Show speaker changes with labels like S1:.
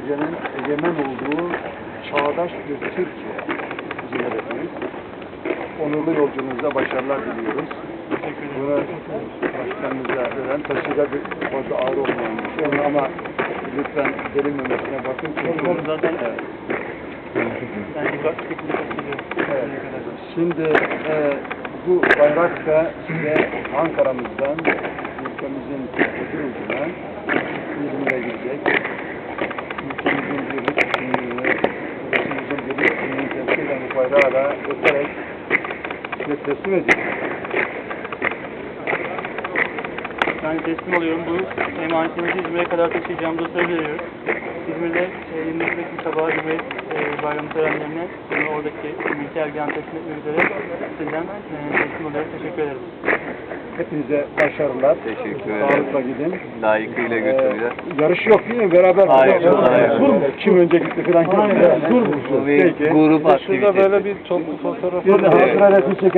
S1: Türkiye'nin egemen olduğu çağdaş bir Türkiye bizim hedefimiz. Onurlu yolculuğunuza başarılar diliyoruz. Bunu başkanımıza veren taşıda fazla ağır olmayan bir şey ama lütfen delinmemesine bakın. Çünkü
S2: zaten
S1: Şimdi bu bayrak da size Ankara'mızdan, ülkemizin öbür ucuna İzmir'e gidecek. Ülkemizin birlik kimliğini, ülkemizin birlik kimliğini temsil eden bu bayrağı da öterek size teslim edecek.
S2: Yani teslim alıyorum. Bu emanetimizi İzmir'e kadar taşıyacağımızı söz veriyoruz. İzmir'de 29 Ekim sabahı Cumhuriyet Bayramı törenlerine oradaki milli ergen teslim etmek üzere sizden teslim alıyorum. Teşekkür ederiz.
S1: Hepinize başarılar.
S3: Teşekkür ederim.
S1: Sağlıkla gidin.
S3: Layıkıyla götüreceğiz.
S1: Yarış yok değil mi? Beraber.
S3: Hayır, hayır.
S1: Dur mu? Kim önce gitti falan. Dur mu?
S3: Bu bir grup aktivitesi.
S2: Şurada böyle bir toplu fotoğraf
S1: Bir de hatıra resmi çekelim.